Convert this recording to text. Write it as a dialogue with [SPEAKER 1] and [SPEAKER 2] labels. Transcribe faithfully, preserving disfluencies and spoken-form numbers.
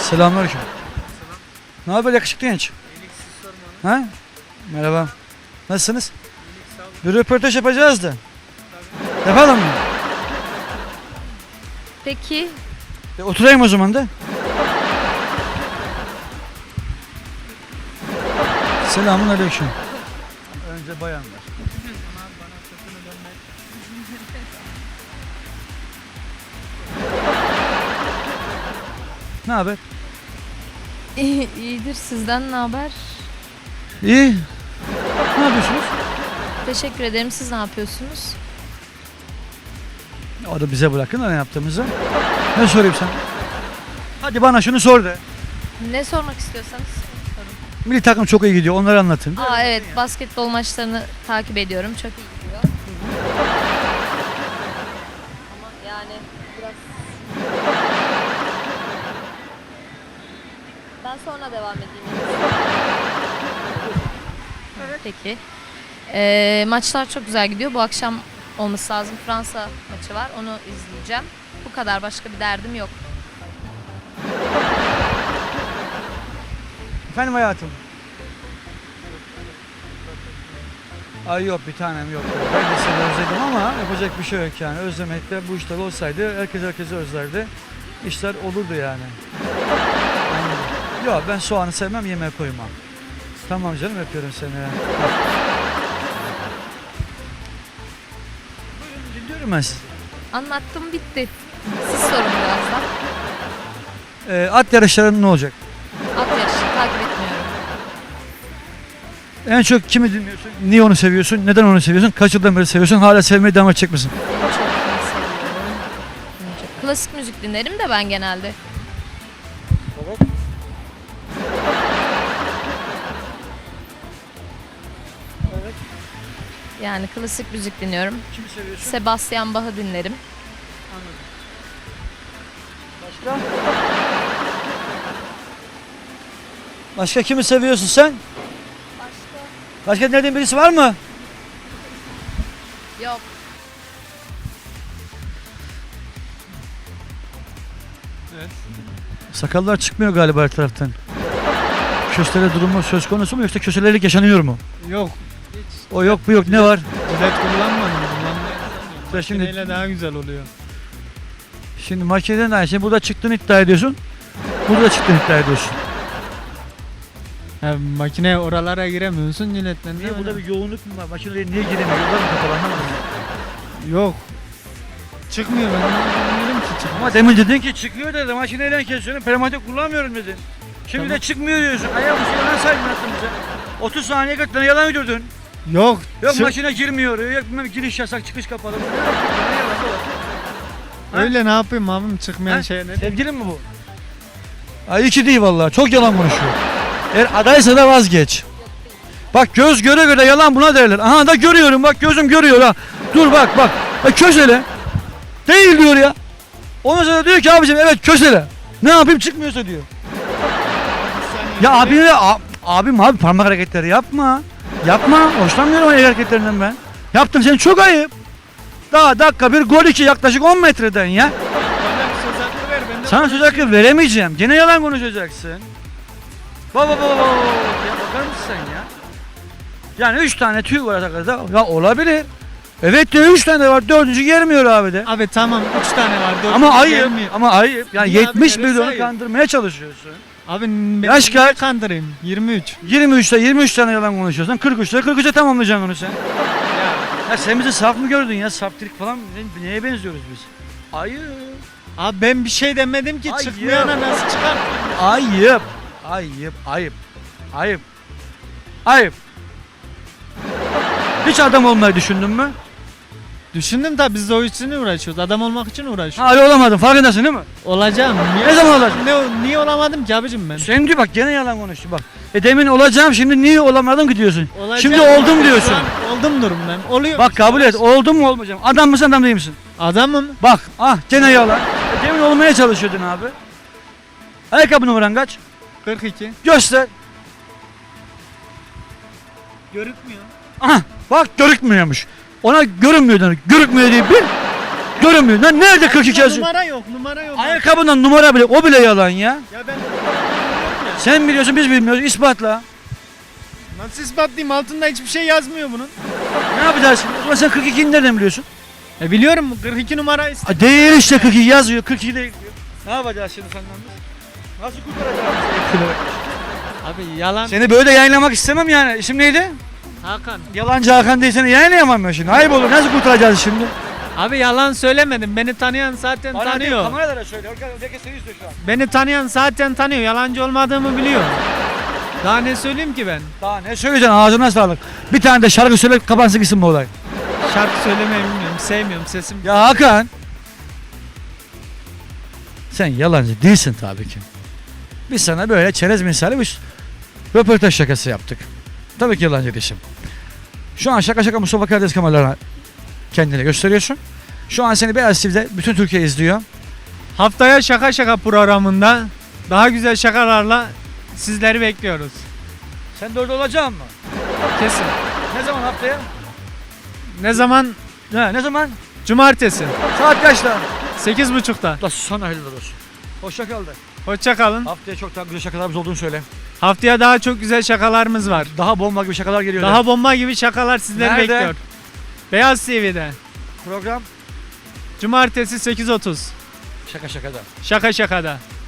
[SPEAKER 1] Selamünaleyküm. Ne haber yakışıklı genç? Ha? Merhaba. Nasılsınız? Bir röportaj yapacağız da. Yapalım mı?
[SPEAKER 2] Peki.
[SPEAKER 1] E, oturayım o zaman da. Selamun aleyküm. Önce bayanlar. Ne haber?
[SPEAKER 2] İyi, iyidir, sizden ne haber?
[SPEAKER 1] İyi. Ne yapıyorsunuz?
[SPEAKER 2] Teşekkür ederim. Siz ne yapıyorsunuz?
[SPEAKER 1] O da bize bırakın da ne yaptığımızı. Ne sorayım sana? Hadi bana şunu sor de.
[SPEAKER 2] Ne sormak istiyorsanız sorun.
[SPEAKER 1] Milli takım çok iyi gidiyor. Onları anlatın.
[SPEAKER 2] Aa evet, basketbol maçlarını takip ediyorum. Çok iyi gidiyor. Ama yani biraz... Ben sonra devam edeyim. Peki. Ee, maçlar çok güzel gidiyor. Bu akşam olması lazım. Fransa maçı var. Onu izleyeceğim. Bu kadar. Başka bir derdim yok.
[SPEAKER 1] Efendim hayatım. Ay yok bir tanem yok. Ben de seni özledim ama yapacak bir şey yok yani. Özlemekte bu işler olsaydı herkes herkesi özlerdi. İşler olurdu yani. Anladım. Yok ben soğanı sevmem, yemeğe koymam. Tamam canım, öpüyorum seni. Buyurun, dinliyorum ben sizi.
[SPEAKER 2] Anlattım, bitti. Siz sorun birazdan.
[SPEAKER 1] Ee, at yarışları ne olacak?
[SPEAKER 2] At yarışı takip etmiyorum.
[SPEAKER 1] En çok kimi dinliyorsun? Niye onu seviyorsun? Neden onu seviyorsun? Kaç yıldan beri seviyorsun? Hala sevmeye devam edecek misin?
[SPEAKER 2] En çok kimi seviyorum? En çok- Klasik müzik dinlerim de ben genelde.
[SPEAKER 1] Evet. Evet.
[SPEAKER 2] Yani klasik müzik dinliyorum.
[SPEAKER 1] Kimi seviyorsun?
[SPEAKER 2] Sebastian Bach'ı dinlerim.
[SPEAKER 1] Anladım. Başka? Başka kimi seviyorsun sen?
[SPEAKER 2] Başka?
[SPEAKER 1] Başka dinlediğin birisi var mı?
[SPEAKER 2] Yok.
[SPEAKER 1] Sakallar çıkmıyor galiba her taraftan. Köstele durumu söz konusu mu yoksa köstelelik yaşanıyor mu?
[SPEAKER 3] Yok.
[SPEAKER 1] O yok bu yok, ne var?
[SPEAKER 3] Jilet kullanmadım. Kullanmayı
[SPEAKER 1] Ya şimdi-
[SPEAKER 3] Makineyle daha güzel oluyor.
[SPEAKER 1] Şimdi makineden de aynı şey. Burada çıktığını iddia ediyorsun. Burada çıktığını iddia ediyorsun.
[SPEAKER 3] Ya, makine oralara giremiyorsun jiletle.
[SPEAKER 1] Niye burada bir yoğunluk mu var? Makineye niye giremiyor? Yollar mı kapalı, anlamadım.
[SPEAKER 3] Yok. Çıkmıyor, ben ne bilmiyorum ki çıkmıyor.
[SPEAKER 1] Ama demin dedin ki çıkıyor dedi. Makineyle kesiyorum. Pneumatik kullanmıyorum dedin. Şimdi
[SPEAKER 3] Tamam.
[SPEAKER 1] de çıkmıyor diyorsun. Ayak bir şey yalan saydın bize. otuz saniye kadar yalan uydurdun.
[SPEAKER 3] Yok.
[SPEAKER 1] Yok
[SPEAKER 3] çık-
[SPEAKER 1] makine girmiyor. Yok bilmem giriş yasak, çıkış kapalı. Ha?
[SPEAKER 3] Öyle ne yapayım abim, çıkmayan
[SPEAKER 1] Ha?
[SPEAKER 3] şey ne?
[SPEAKER 1] Sevgilin mi bu? Ay iki değil vallahi. Çok yalan konuşuyor. Eğer adaysa da vazgeç. Bak göz göre göre yalan buna derler. Aha da görüyorum, bak gözüm görüyor ha. Dur bak bak. E, kösele. Değil diyor ya. Ondan sonra diyor ki abicim evet kösele. Ne yapayım çıkmıyorsa diyor. Ya abi a- abim abi parmak hareketleri yapma. Yapma. Hoşlanmıyorum el hareketlerinden ben. Yaptım, senin çok ayıp. Daha dakika bir gol iki yaklaşık on metreden ya.
[SPEAKER 3] Bana bir söz hakkı ver, ben de
[SPEAKER 1] Sana söz hakkı veremeyeceğim. Gene yalan konuşacaksın. Baba baba baba. Ya bakar mısın sen ya? Yani üç tane tüy var arkada. Ya olabilir. Evet de üç tane var. Dördüncü gelmiyor abi de.
[SPEAKER 3] Abi tamam, üç tane var. dört
[SPEAKER 1] Ama
[SPEAKER 3] tane
[SPEAKER 1] ayıp.
[SPEAKER 3] gelmiyor.
[SPEAKER 1] Ama ayıp. Yani
[SPEAKER 3] Niye abi,
[SPEAKER 1] yetmiş
[SPEAKER 3] neresi
[SPEAKER 1] milyonu
[SPEAKER 3] ayıp?
[SPEAKER 1] kandırmaya çalışıyorsun.
[SPEAKER 3] Abi ben
[SPEAKER 1] Yaş
[SPEAKER 3] niye
[SPEAKER 1] kaç?
[SPEAKER 3] kandırayım? yirmi üç.
[SPEAKER 1] yirmi üçte yirmi üç tane yalan konuşuyorsun. kırk üçte kırk üçe tamamlayacaksın onu sen.
[SPEAKER 3] Ya.
[SPEAKER 1] Ya sen bizi saf mı gördün ya? Saftirik falan ne- neye benziyoruz biz? Ayıp.
[SPEAKER 3] Abi ben bir şey demedim ki,
[SPEAKER 1] Ayıp.
[SPEAKER 3] çıkmayana nasıl çıkartayım?
[SPEAKER 1] Ayıp. Ayıp. Ayıp. Ayıp. Ayıp. Hiç adam olmayı düşündün mü?
[SPEAKER 3] Düşündüm tabi, biz de o için uğraşıyoruz. Adam olmak için uğraşıyoruz.
[SPEAKER 1] Hala olamadın, farkındasın değil mi?
[SPEAKER 3] Olacağım. Niye,
[SPEAKER 1] Ne zaman olacaksın?
[SPEAKER 3] Ne, niye olamadım ki abicim ben?
[SPEAKER 1] Sen diyor bak gene yalan konuştu bak. E demin olacağım, şimdi niye olamadım ki diyorsun.
[SPEAKER 3] Olacağım.
[SPEAKER 1] Şimdi oldum diyorsun.
[SPEAKER 3] Şu an oldum durum ben. Oluyor.
[SPEAKER 1] Bak kabul et, oldum mu olmayacağım. Adam mısın, adam değil misin?
[SPEAKER 3] Adamım.
[SPEAKER 1] Bak ah gene yalan. E demin olmaya çalışıyordun abi. Ayakkabı numaran kaç?
[SPEAKER 3] kırk iki.
[SPEAKER 1] Göster.
[SPEAKER 3] Görükmüyor.
[SPEAKER 1] Aha bak görükmüyormuş. Ona görünmüyor demek. Görükmüyor diye bir. Görünmüyor. Lan nerede kırk iki yazıyor?
[SPEAKER 3] Numara yok, numara yok.
[SPEAKER 1] Ayakkabından numara bile, o bile yalan ya.
[SPEAKER 3] Ya ben
[SPEAKER 1] Sen biliyorsun biz bilmiyoruz. İspatla.
[SPEAKER 3] Nasıl ispatlayayım? Altında hiçbir şey yazmıyor bunun.
[SPEAKER 1] Ne yapacağız şimdi? O zaman sen kırk ikiyi nereden biliyorsun?
[SPEAKER 3] E biliyorum kırk iki numara ist-
[SPEAKER 1] A, değil işte kırk iki yazıyor. kırk iki değil diyor. Ne yapacağız şimdi senden biz? Nasıl kurtaracağız seni?
[SPEAKER 3] Abi yalan.
[SPEAKER 1] Seni böyle yayınlamak istemem yani. İsim neydi?
[SPEAKER 3] Hakan.
[SPEAKER 1] Yalancı Hakan değil, seni yayınlayamam ben şimdi. Ayıp olur. Nasıl kurtaracağız şimdi?
[SPEAKER 3] Abi yalan söylemedim. Beni tanıyan zaten
[SPEAKER 1] Bana değil,
[SPEAKER 3] tanıyor.
[SPEAKER 1] kameralara söyle. Herkes seni istiyor şu an.
[SPEAKER 3] Beni tanıyan zaten tanıyor. Yalancı olmadığımı biliyor. Daha ne söyleyeyim ki ben?
[SPEAKER 1] Daha ne söyleyeceksin? Ağzına sağlık. Bir tane de şarkı söyle, kapansın gitsin bu olay.
[SPEAKER 3] Şarkı söylemeyi bilmiyorum. Sevmiyorum sesim.
[SPEAKER 1] Ya Hakan. Sen yalancı değilsin tabii ki. Biz sana böyle çerez misali bir röportaj şakası yaptık. Tabii ki yalancı değilsin. Şu an şaka şaka Mustafa Karadeniz kameralarına kendini gösteriyorsun. Şu an seni Beyaz T V'de bütün Türkiye izliyor.
[SPEAKER 3] Haftaya şaka şaka programında daha güzel şakalarla sizleri bekliyoruz.
[SPEAKER 1] Sen de orada olacaksın mı?
[SPEAKER 3] Kesin.
[SPEAKER 1] Ne zaman haftaya?
[SPEAKER 3] Ne zaman?
[SPEAKER 1] Ne, ne zaman?
[SPEAKER 3] Cumartesi.
[SPEAKER 1] Saat kaçta?
[SPEAKER 3] sekiz buçukta.
[SPEAKER 1] Da sana hayırlı olsun. Hoşça kal de.
[SPEAKER 3] Hoşça kalın.
[SPEAKER 1] Haftaya çok daha güzel şakalarımız olduğunu söyle.
[SPEAKER 3] Haftaya daha çok güzel şakalarımız var.
[SPEAKER 1] Daha bomba gibi şakalar geliyor.
[SPEAKER 3] Daha bomba gibi şakalar sizleri
[SPEAKER 1] Nerede?
[SPEAKER 3] bekliyor. Beyaz T V'de.
[SPEAKER 1] Program
[SPEAKER 3] Cumartesi sekiz otuz.
[SPEAKER 1] şaka şakada.
[SPEAKER 3] Şaka şakada.